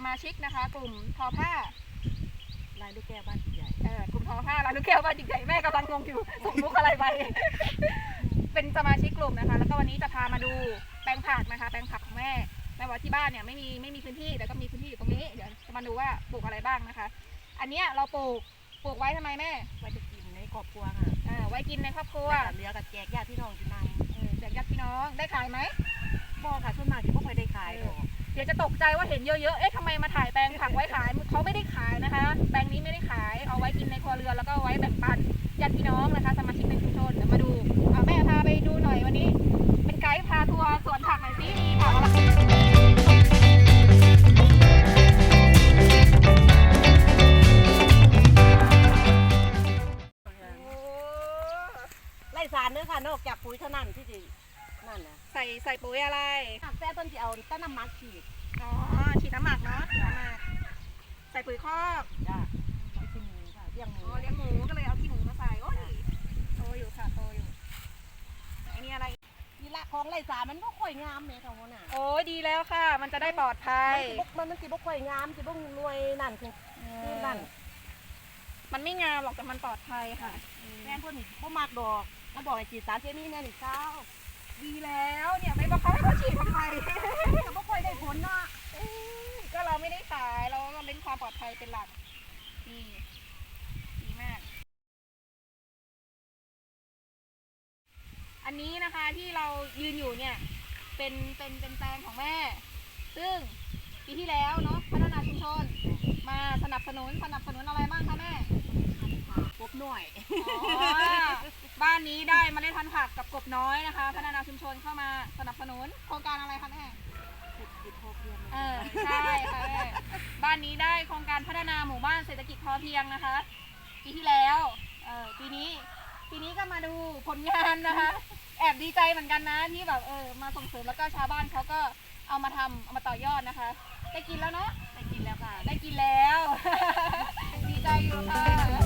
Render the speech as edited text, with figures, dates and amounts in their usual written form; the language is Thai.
มาชิกนะคะกลุ่มทอผ้าลายลูกแก้วบ้านใหญ่กลุ่มทอผ้าลายลูกแก้วบ้านใหญ่แม่กำลังงงอยู่ส่งมุกอะไรไป เป็นสมาชิกกลุ่มนะคะแล้วก็วันนี้จะพามาดูแปลงผักนะคะแปลงผักของแม่ว่าที่บ้านเนี่ยไม่มีพื้นที่แต่ก็มีพื้นที่อยู่ตรงนี้เดี๋ยวจะมาดูว่าปลูกอะไรบ้างนะคะ อันนี้เราปลูกไว้ทำไมแม่ไว้จะกินในครอบครัวค่ะไว้กินในครอบครัวเหลือกับแจกญาติพี่น้องกินน้ำแจกญาติพี่น้องได้ขายไหมบ่ค่ะส่วนมากที่ไม่ค่อยได้ขายหรอกเดี๋ยวจะตกใจว่าเห็นเยอะๆเอ๊ะทำไมมาถ่ายแปลงผักไว้ขายเขาไม่ได้ขายนะคะแปลงนี้ไม่ได้ขายเอาไว้กินในครัวเรือนแล้วก็ไว้แบ่งปันญาติพี่น้องนะคะสมาชิกในชุมชนเดี๋ยวมาดูแม่พาไปดูหน่อยวันนี้เป็นไกด์พาทัวร์สวนผักหน่อยสิมีผักอะไรไล่สารเนื้อค่ะนอกจากปุ๋ยเท่านั้นที่จะนั่นนะใส่ปุ๋ยอะไรแซ่ต้นที่เอาต้นน้ำมันฉีดฉีดน้ำหมักเนาะฉีดน้ำหมักใส่ปุ๋ยคอกจ้ะขี้หมูค่ะเลี้ยงหมูก็เลยเอาขี้หมูมาใส่โอ้ยโตอยู่ค่ะโตอยู่อันนี้อะไรนี่ละของไล่สารมันก็ค่อยงามเลยค่ะหัวหน้าโอ้ยดีแล้วค่ะมันจะได้ปลอดภัยมันสิบกค่อยงามสิบกรวยนั่นคือนั่นมันไม่งามหรอกแต่มันปลอดภัยค่ะแม่พวกนี้พวกมากดอกมาบอกไอ้ฉีดสารเคมีแน่นี่เช้าดีแล้วเนี่ยไม่บอกเขาให้เขาฉีดทำไมแต่ไม่ค่อยได้ผลเนาะก็เราไม่ได้ขายเราเน้นความปลอดภัยเป็นหลักนี่ดีมากอันนี้นะคะที่เรายืนอยู่เนี่ยเป็นแปลงของแม่ซึ่งปีที่แล้วเนาะพัฒนาชุมชนมาสนับสนุนอะไรบ้างคะแม่กบหน่อยบ้านนี้ได้เมล็ดพันธุ์ผักกับกบน้อยนะคะพัฒนาชุมชนเข้ามาสนับสนุนโครงการอะไรคะแม่เศรษฐกิจพอเพียงใช่ค่ะแม่บ้านนี้ได้โครงการพัฒนาหมู่บ้านเศรษฐกิจพอเพียงนะคะปีที่แล้วปีนี้ก็มาดูผลงานนะคะแอบดีใจเหมือนกันนะที่แบบมาส่งเสริมแล้วก็ชาวบ้านเขาก็เอามาต่อยอดนะคะได้กินแล้วเนาะได้กินแล้วค่ะได้กินแล้วดีใจอยู่ค่ะ